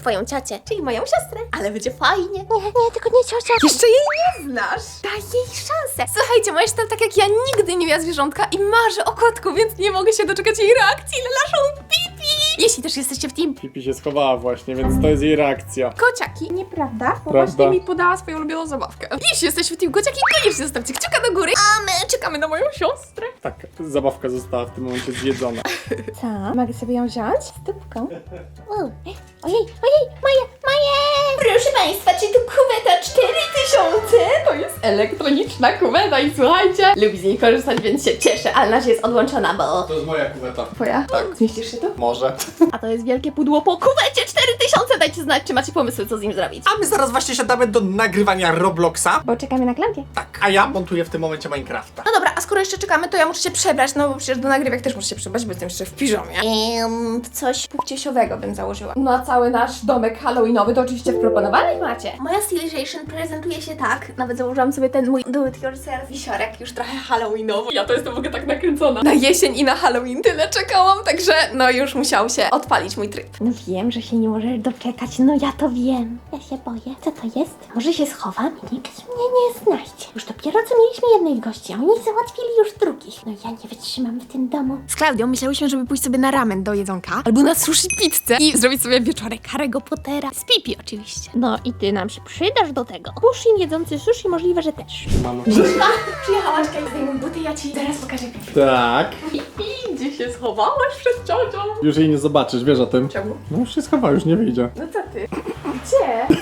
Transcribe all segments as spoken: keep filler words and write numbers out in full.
swoją ciocię, czyli moją siostrę, ale będzie fajnie. Nie, nie, tylko nie ciocia. Jeszcze jej nie znasz. Daj jej szansę. Słuchajcie, moja siostra tak jak ja nigdy nie miała zwierzątka i marzy o kotku, więc nie mogę się doczekać jej reakcji na naszą Pipi. Jeśli też jesteście w team Pipi się schowała właśnie, więc to jest jej reakcja. kociaki, nieprawda? Bo Prawda. właśnie mi podała swoją ulubioną zabawkę. Jeśli jesteście w team kociaki, koniecznie zostawcie kciuka do góry, a my czekamy na moją siostrę. Tak, zabawka została w tym momencie zjedzona. Co? Mogę sobie ją wziąć? Stópką. Ojej, ojej, moje, moje! Proszę Państwa, czy tu kuweta cztery tysiące? To jest elektroniczna kuweta i słuchajcie, lubi z niej korzystać, więc się cieszę, ale nasza jest odłączona, bo... To jest moja kuweta. Twoja? Tak. Zmieścisz się tu? Może. A to jest wielkie pudło po kuwecie cztery tysiące, dajcie znać, czy macie pomysły, co z nim zrobić. A my zaraz właśnie siadamy do nagrywania Robloxa. Bo czekamy na Klaudię. Tak, a ja montuję w tym momencie Minecrafta. No dobra, a skoro jeszcze czekamy, to ja muszę się przebrać, no bo przecież do nagrywek też muszę się przebrać, bo jestem jeszcze w piżamie. Ehm, coś. Płciesiowego bym założyła. Na cały nasz domek halloweenowy to oczywiście w proponowanych macie. Moja stylization prezentuje się tak. Nawet założyłam sobie ten mój do it yourself wisiorek, już trochę halloweenowy. Ja to jestem w ogóle tak nakręcona. Na jesień i na Halloween tyle czekałam, także no już musiał się odpalić mój tryb. No wiem, że się nie możesz doczekać, no ja to wiem. Ja się boję. Co to jest? Może się schowam i nikt mnie nie znajdzie. Już dopiero co mieliśmy jednych gości, a oni załatwili już drugich. No ja nie wytrzymam w tym domu. Z Klaudią myślałyśmy, żeby pójść sobie na ramen do jedzonka, albo na sushi pizzę i zrobić sobie wieczorek Harry'ego Pottera z Pipi oczywiście. No i ty nam się przydasz do tego. Pushin jedzący sushi możliwe, że też. Mamo. Przyjechałaś, Kaj, zdejmuj buty, ja ci zaraz pokażę Pipi. Tak. Pipi, gdzie się schowałaś przed ciocią? Już jej nie zobaczysz, wiesz o tym? Czemu? No już się schowała, już nie wyjdzie. No co ty? Gdzie?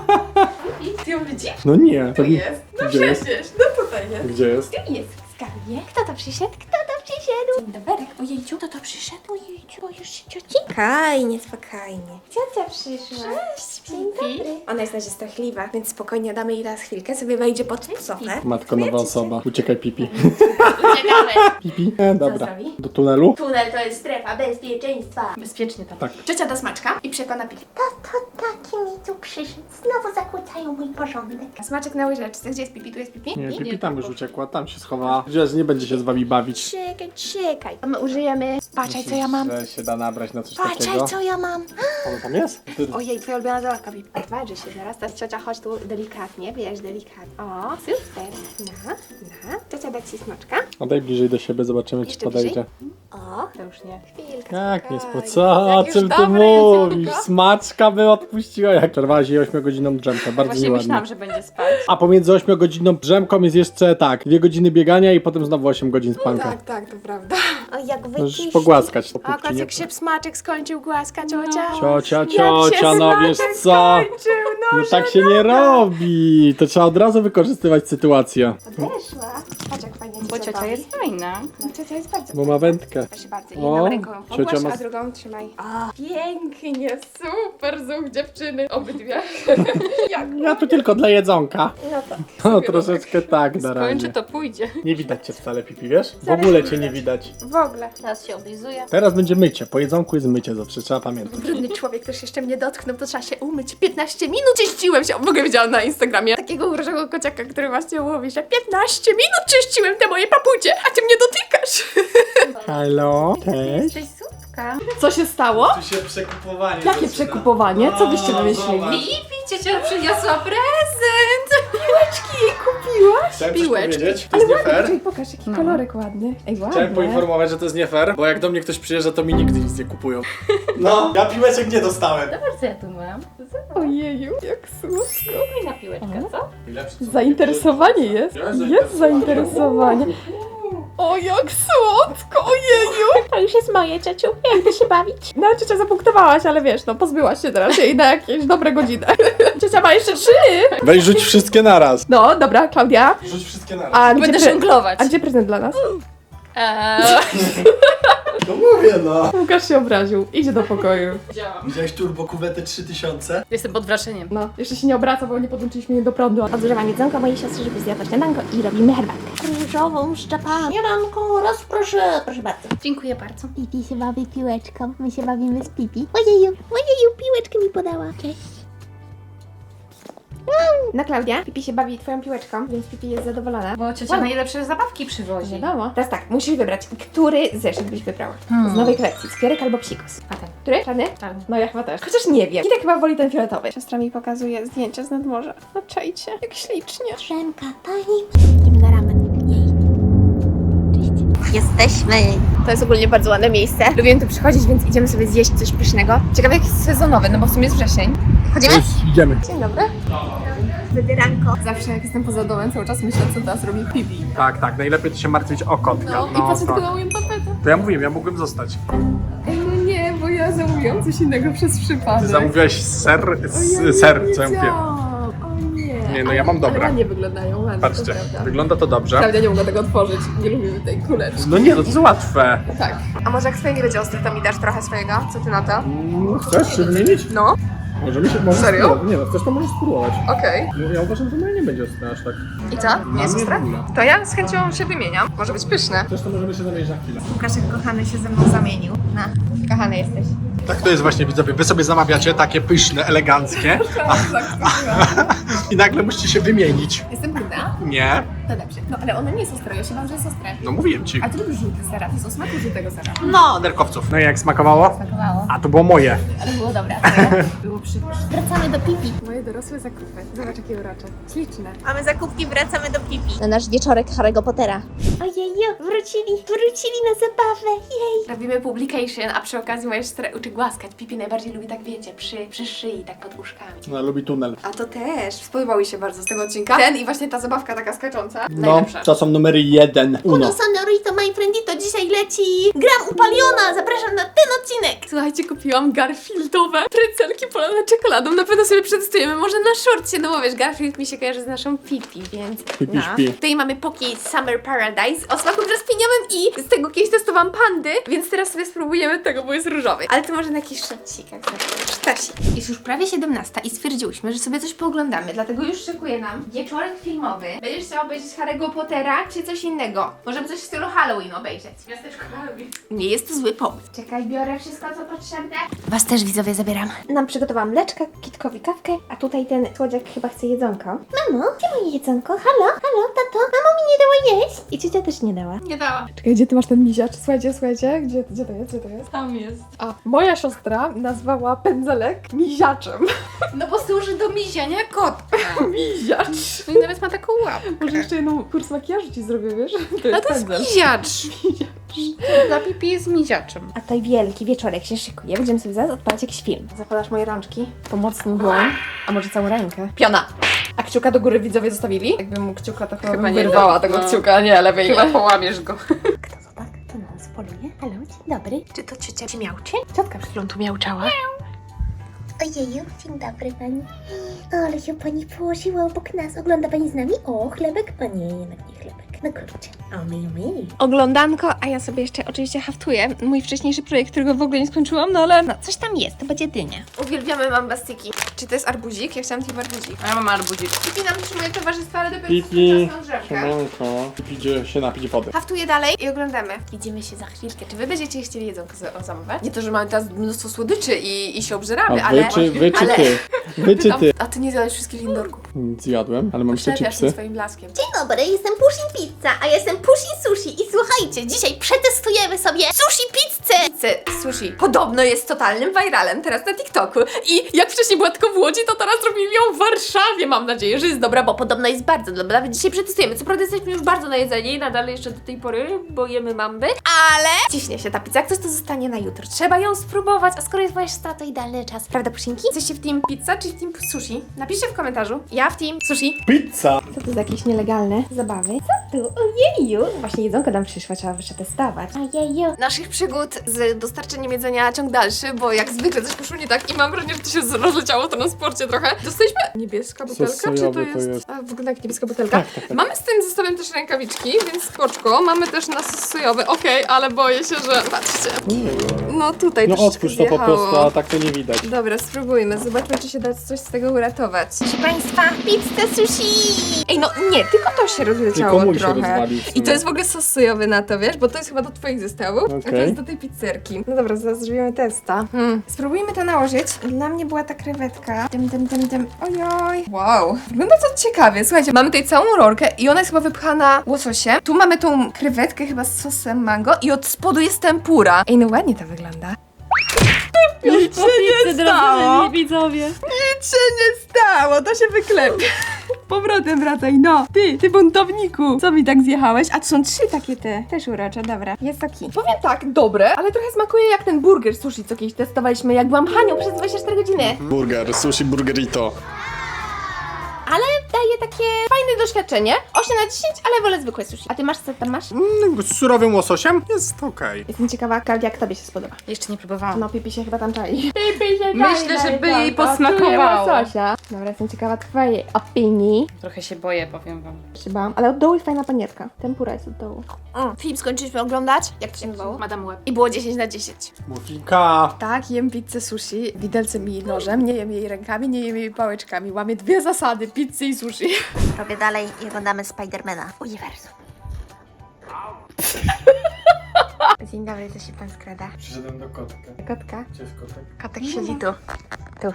Pipi, ty ją widzisz? No nie. Tu jest. No Gdzie jest? przecież, no tutaj jest. Gdzie jest? Tu jest w skarbie. Kto to przyszedł? Kto to przyszedł? Dzień doberek, ojejciu. Kto to przyszedł? Ojejciu, boisz się cioci? Spokojnie, spokojnie. Ciocia przyszła. Cześć, Dzień dobry. Ona jest na razie strachliwa, więc spokojnie damy jej teraz chwilkę, sobie wejdzie pod sofę. Matko, nowa osoba. Uciekaj, Pipi. Uciekamy. Pipi? E, dobra. zrobi? Do tunelu? Tunel to jest strefa bezpieczeństwa. Bezpiecznie tam. Tak. Ciocia da smaczka i przekona Pipi. To, to taki mi tu przyszedł. Znowu zakłócają mój porządek. Smaczek na łyżeczce. Gdzie jest Pipi? Tu jest Pipi? Nie, Pipi tam już uciekła, tam się schowała. Że nie będzie się z wami bawić. Czekaj, czekaj. A my użyjemy... Patrzaj, co ja mam. Że się da nabrać na coś Patrzaj, takiego. co ja mam. Ono tam jest? Ty... Ojej, twoja ulubiona zabawka, Pipi. Odważy się zaraz. Teraz ciocia, chodź tu delikatnie, bierz delikatnie. O, super. Na, na. Ciocia da ci smaczka. Odej bliżej do siebie, zobaczymy, czy Jeszcze podejdzie. bliżej? O, to już nie. Chwilkę. Jak nie spokojnie. spo... Co? O Jak już czym ty dobre mówisz? jedzonko. Smaczka by odpuściła. Jak przerwałaś jej ośmiogodzinną drzemkę, bardzo Właśnie nieładnie. myślałam, że będzie spać. A pomiędzy ośmiogodzinną drzemką jest jeszcze tak, dwie godziny biegania i potem znowu osiem godzin spanka. Tak, tak, to prawda. O, jak Możesz wycisz. pogłaskać po A pupci, nie? kocek się smaczek skończył, głaska ciocia. Ciocia, Jak się ciocia, no wiesz smaczek co? skończył, no, No tak się nie robi. To trzeba od razu wykorzystywać sytuację. Odeszła. Patrz jak fajnie Bo ciocia bawi. jest fajna. No ciocia jest bardzo Bo ma wędkę. Proszę bardzo, O, jedną ręką pogłasz, ciocia ma- a drugą trzymaj. O, pięknie, super zuch dziewczyny, obydwie. Jak? Ja tu tylko dla jedzonka. No tak. No troszeczkę tak na Skończy, razie. to pójdzie. Nie widać cię wcale, Pipi, wiesz? W ogóle cię nie widać. W ogóle. Teraz się oblizuje. Teraz będzie mycie. Po jedzonku jest mycie, zawsze trzeba pamiętać. Brudny człowiek też jeszcze mnie dotknął, to trzeba się umyć. piętnaście minut czyściłem się. W ogóle widziałam na Instagramie takiego urożego kociaka, który właśnie mówi, że piętnaście minut czyściłem te moje papucie, a ty mnie dotykasz. Halo? Cześć. Cześć, słupka. Co się stało? Tu się przekupowanie Jakie zaczyna. przekupowanie? Co byście O, wymyślili? zobacz. Pipi, ciocia przyniosła prezent! Piłeczki jej kupiłaś? Chciałem coś Piłeczki. powiedzieć, to Ale jest nie ładny, fair. poczekaj, pokaż jaki kolorek ładny. Ej, ładny. Chciałem poinformować, że to jest nie fair, bo jak do mnie ktoś przyjeżdża, to mi nigdy nic nie kupują. No, ja piłeczek nie dostałem. Zobacz, co ja tu mam. Ojeju, jak słodko. Fajna piłeczka, co? Zainteresowanie jest. Ja Jest zainteresowanie. O, jak słodko, ojeju. To już jest moje, ciociu. Jak ty się bawić? No, ciocia zapunktowałaś, ale wiesz, no pozbyłaś się teraz jej na jakieś dobre godziny. Ciocia ma jeszcze trzy. Weź rzuć wszystkie naraz. No, dobra, Klaudia. Rzuć wszystkie naraz. A gdzie, Będę pre... żonglować. A gdzie prezent dla nas? Eee, No mówię no. Łukasz się obraził. Idzie do pokoju. Widziałeś turbo kuwetę trzy tysiące? Jestem pod wrażeniem. No, jeszcze się nie obraca, bo nie podłączyliśmy jej do prądu. Odgrzewam jedzonko mojej siostry, żeby zjadła śniadanko i robimy herbatkę. Różową szczepan. Śniadanko, raz proszę. Proszę bardzo. Dziękuję bardzo. Pipi się bawi piłeczką. My się bawimy z Pipi. Ojeju, ojeju, piłeczkę mi podała. Cześć. Na Klaudia, Pipi się bawi twoją piłeczką, więc Pipi jest zadowolona. Bo ciocia Wow. najlepsze zabawki przywozi. Wiadomo. Teraz tak, musisz wybrać, który zeszyt byś wybrała. Hmm. Z nowej kolekcji, Skierek albo Psikus. A ten. Który? Czarny? Czarny. No ja chyba też. Chociaż nie wiem. Kitek chyba woli ten fioletowy. Siostra mi pokazuje zdjęcia z nadmorza. No czajcie, jak ślicznie. Drzemka, pani. Idziemy na ramen. Jej. Cześć. Jesteśmy. To jest ogólnie bardzo ładne miejsce. Lubię tu przychodzić, więc idziemy sobie zjeść coś pysznego. Ciekawe jak jest sezonowy, no bo w sumie jest wrzesień. Chodzimy? Już idziemy. Dzień dobry. Wybieranko. Zawsze jak jestem poza domem, cały czas myślę, co teraz robi Pipi. Tak, tak, najlepiej to się martwić o kotka. No, i patrzę tylko na moją tapetę. To ja mówiłem, ja mógłbym zostać. Ej, no nie, bo ja zamówiłam coś innego przez przypadek. Ty zamówiłaś ser, O, s, ja nie ser, co ja mówię. wiedziałam. O nie. Nie, no ja mam Ale dobre. ładnie wyglądają, ładnie, Patrzcie, to prawda. wygląda to dobrze. Klaudia nie mogła tego otworzyć, nie lubimy tej kuleczki. No nie, no to jest łatwe. Tak. A może jak swoje nie będzie ostre, to mi dasz trochę swojego? Co ty na to? Mm, Chcesz się wymienić? No, Możemy się, możesz Serio? spróbować. Nie no, chcesz to możesz spróbować. okej. No, ja uważam, że moje nie będzie ostre aż tak. I co? Nie jest Dla mnie ostre? w ogóle. To ja z chęcią się wymieniam. Może być pyszne. Chcesz to możemy się zamienić na chwilę. Łukaszek kochany się ze mną zamienił. Na. Kochany jesteś. Tak to jest właśnie, widzowie. Wy sobie zamawiacie takie pyszne, eleganckie i nagle musicie się wymienić. Jestem bruda? Nie, To dobrze. No ale ono nie jest ostre, ja się bałam, że jest ostre. no mówiłem ci. A ty lubisz żółty sera, to jest o smaku żółtego sera. No, nerkowców. No i jak smakowało? Smakowało. A to było moje. Ale było dobre. Było przypyszne. Wracamy do Pipi. Moje dorosłe zakupy. Zobacz jakie urocze. Śliczne. Mamy zakupki, wracamy do Pipi. Na nasz wieczorek Harry'ego Pottera. Ojeju, wrócili, wrócili na zabawę. Jej. Robimy publication, a przy okazji moja siostra uczy głaskać. Pipi najbardziej lubi tak wiecie, przy, przy szyi, tak pod uszkami. No, lubi tunel. A to też. Spodobało mi się bardzo z tego odcinka. Ten i właśnie ta zabawka taka skacząca. No, Najlepsza. to są numery jeden. Uno Uno. Sonorito, my friendito, dzisiaj leci Gram Upaliona. Zapraszam na ten odcinek. Słuchajcie, kupiłam Garfieldowe precelki polane czekoladą. Na pewno sobie przetestujemy, może na shortcie, no bo wiesz, Garfield mi się kojarzy z naszą Pipi, więc Pipi no. śpi. Tutaj mamy Poki Summer Paradise o smaku brzoskwiniowym i z tego kiedyś testowałam pandy, więc teraz sobie spróbujemy tego, bo jest różowy. Ale to może na jakiś sztosik, jak zawsze. Sztosik. Jest już prawie siedemnasta i stwierdziłyśmy, że sobie coś pooglądamy, dlatego już szykuje nam wieczorek filmowy. Będziesz chciał obejrzeć Harry'ego Pottera czy coś innego? Możemy coś w stylu Halloween obejrzeć. Miasteczko Halloween. Nie jest to zły pomysł. Czekaj, biorę wszystko, co potrzebne. Was też widzowie zabieram. Nam przygotowałam mleczka, Kitkowi kawkę, a tutaj ten słodziak chyba chce jedzonko. Mamo, gdzie moje jedzonko? Halo, halo, tato? Mamo mi nie dała jeść. I ciocia też nie dała. Nie dała. Czekaj, gdzie ty masz ten miziacz? Słuchajcie, słuchajcie, gdzie, gdzie to jest, gdzie to jest? Tam jest. A, moja siostra nazwała pędzelek miziaczem. No bo służy do miziania kotka. Miziacz. No i nawet ma taką łapkę. Może jeszcze jedną kurs makijażu ci zrobię, wiesz? To A jest to jest pędzel. miziacz. Dla Pipi jest miziaczem. A tutaj wielki wieczorek się szykuje. Będziemy sobie zaraz odpalać jakiś film. Zapadasz moje rączki, pomocną dłoń, a może całą rękę. Piona! A kciuka do góry widzowie zostawili? Jakbym mu kciuka, to chyba, Chyba bym nie. wyrwała tego No. kciuka, nie, lewej Chyba nie. połamiesz go. Kto to tak? To nas poluje. Halo, dzień dobry. Czy to ciocia ci miałczy? Ciotka przed chwilą tu miałczała. Ojeju, dzień dobry pani. O, ale się pani położyła obok nas. Ogląda pani z nami? O, chlebek? O nie, jednak nie chlebek. No kurczę. O, my, my. Oglądanko, a ja sobie jeszcze oczywiście haftuję mój wcześniejszy projekt, którego w ogóle nie skończyłam, no ale... No, coś tam jest, to będzie dynia. Uwielbiamy mambastyki. Czy to jest arbuzik? Ja chciałam tylko arbuzik. A ja mam arbuzik. Pipi nam trzymuje towarzystwo, ale dopiero Pipi, czas na drzewkę. siemanko. Pipi idzie się napić wody. Haftuję dalej i oglądamy. Widzimy się za chwilkę. Czy wy będziecie chcieli jedzonko za- zamawiać? Nie to, że mamy teraz mnóstwo słodyczy i, i się obżeramy, A ale... wy czy, wy czy ale... ty? Wy czy ty? A ty nie zjadłeś wszystkich lindorków. Nic jadłem, ale mam jeszcze Przewiasz się chipsy. swoim blaskiem. Dzień dobry, jestem Pushin Pizza, a ja jestem Pushin Sushi i słuchajcie, dzisiaj przetestujemy sobie sushi pizzę! Pizzę, sushi. Podobno jest totalnym viralem teraz na TikToku. I jak wcześniej była tylko w Łodzi, to teraz robili ją w Warszawie. Mam nadzieję, że jest dobra, bo podobno jest bardzo dobra. Nawet dzisiaj przetestujemy. Co prawda jesteśmy już bardzo najedzeni i nadal jeszcze do tej pory, bo jemy mamby. Ale ciśnie się ta pizza. Jak coś to zostanie na jutro. Trzeba ją spróbować, a skoro jest moja siostra, to idealny czas. Prawda, Pusinki? Jesteście w team pizza czy w team sushi? Napiszcie w komentarzu. Ja w team sushi. Pizza! Co to za jakieś nielegalne zabawy? Tu, ojeju! Właśnie jedzonko nam przyszła, trzeba przetestować. Ojeju! Naszych przygód z dostarczeniem jedzenia ciąg dalszy, bo jak zwykle coś poszło nie tak i mam wrażenie, że to się rozleciało w transporcie trochę. Dostaliśmy niebieska butelka, czy to sojowy jest? to jest. A, wygląda jak niebieska butelka. Tak, tak, tak. Mamy z tym zestawem też rękawiczki, więc spoczko. Mamy też na sos sojowy, okej, ale boję się, że... Patrzcie. No tutaj No troszeczkę otwórz to po zjechało. prostu, a tak to nie widać. Dobra, spróbujmy. Zobaczmy, czy się da coś z tego uratować. Proszę Państwa, pizza sushi! Ej, no nie, tylko to się rozleciało Tylko mój się trochę. rozwalił w sumie. I to jest w ogóle sos sojowy na to, wiesz? Bo to jest chyba do twoich zestawów, a to Okej. jest do tej pizzerki. No dobra, zaraz zrobimy testa. Hmm. Spróbujmy to nałożyć. Dla mnie była ta krewetka. Tym, tym, tym, tym. Ojoj. Wow. Wygląda to ciekawie. Słuchajcie, mamy tutaj całą rolkę i ona jest chyba wypchana łososiem. Tu mamy tą krewetkę chyba z sosem mango i od spodu jest tempura. Ej, no ładnie to wygląda. Nic się nie stało. widzowie. Nic się nie stało, to się wyklepie. Powrotem wracaj, no. Ty, ty buntowniku. Co mi tak zjechałeś? A to są trzy takie te. Też urocze, dobra. Jest taki. Powiem tak, dobre, ale trochę smakuje jak ten burger sushi, co kiedyś testowaliśmy, jak byłam Hanią przez dwadzieścia cztery godziny. Burger, sushi burgerito. Ale daje takie fajne doświadczenie. osiem na dziesięć, ale wolę zwykłe sushi. A ty masz, co tam masz? Mm, z surowym łososiem jest okej. Jestem ciekawa, Klaudia, jak tobie się spodoba. Jeszcze nie próbowałam. No, Pipi się chyba tam czai. Pipi się Myślę, żeby jej posmakowało. Dobra, jestem ciekawa twojej opinii. Trochę się boję, powiem wam. Się bałam, ale od dołu jest fajna panierka. Tempura jest od dołu. Mm, film skończyliśmy oglądać. Jak to się nazywało? Madame Web. I było dziesięć na dziesięć. Muffinka. Tak, jem pizzę sushi widelcem i nożem. Nie jem jej rękami, nie jem jej pałeczkami. Łamię dwie zasady, pizzy i sushi. Robię dalej i oglądamy Spidermana. Uniwersum. Dzień dobry, co się pan skrada? Przyszedłem do kotka. Kotka? Gdzie jest kotek? Kotek siedzi tu. Tu.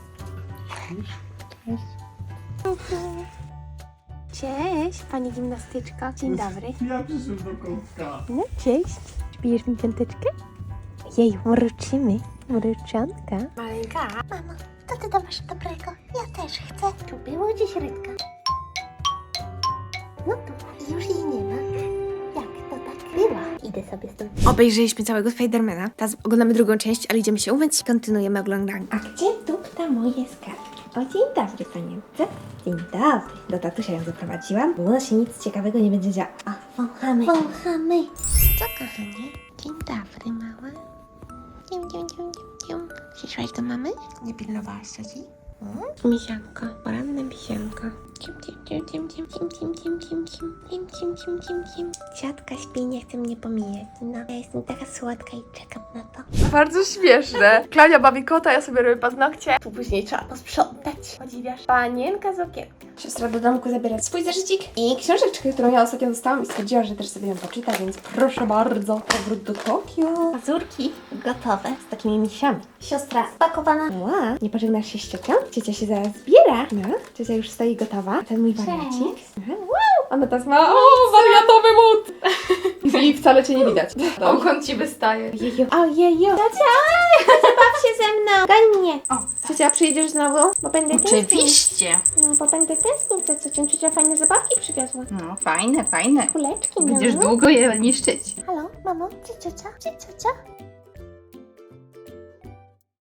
Cześć, pani gimnastyczko. Dzień dobry. Ja przyszedłem do kotka. No, cześć. Pijesz mi piąteczkę? Jej, mruczymy. Mruczanka. Maleńka. Mamo, co ty tam masz dobrego? Ja też chcę. Tu było dziś rybka. No tu, już jej nie ma. Jak to tak była? Idę sobie stąd. Obejrzeliśmy całego Spidermana. Teraz oglądamy drugą część, ale idziemy się umyć i kontynuujemy oglądanie. A gdzie dupta moje skarbki? O, dzień dobry, panience. Dzień dobry. Do tatusia ją zaprowadziłam. Było się nic ciekawego nie będzie działo. A, wąchamy. Wąchamy. Co, kochanie? Dzień dobry, mała. Cium, cium, cium, cium, cium. Przyszłaś do mamy? Nie pilnowałaś ci? Misianko, poranne misianko. Cium, cium, cium, cium, cium, cium, cium, cium, cium, cium, cium, cium, cium, cium, cium. Ciatka śpi, nie chce mnie pomijać. No, ja jestem taka słodka i czekam na to. Bardzo śmieszne. Klaudia bawi kota, ja sobie robię paznokcie. Później trzeba posprzątać. Podziwiasz? Panienka z okienka. Siostra do domku zabiera swój zeszycik i książeczkę, którą ja ostatnio dostałam i stwierdziła, że też sobie ją poczyta, więc proszę bardzo. Powrót do Tokio. Pazurki gotowe z takimi misiami. Siostra spakowana. Ła, nie pożegnasz się z ciocią? Ciocia się zaraz zbiera. No, ciocia już stoi gotowa. A ten mój wariacik. Aha, wow, ona teraz ma, o, wariatowy mód. I wcale cię nie widać. Ogon ci wystaje. Ojeju, ojeju. Ciocia, baw się ze mną. Goń mnie. O, Ciocia, przyjedziesz znowu? Bo będę tęsknił. oczywiście. No, bo będę tęsknił, to co cię ciocia fajne zabawki przywiozła. No, fajne, fajne. Kuleczki, no. Będziesz długo je niszczyć. Halo, mamo, gdzie ciocia? Gdzie ciocia?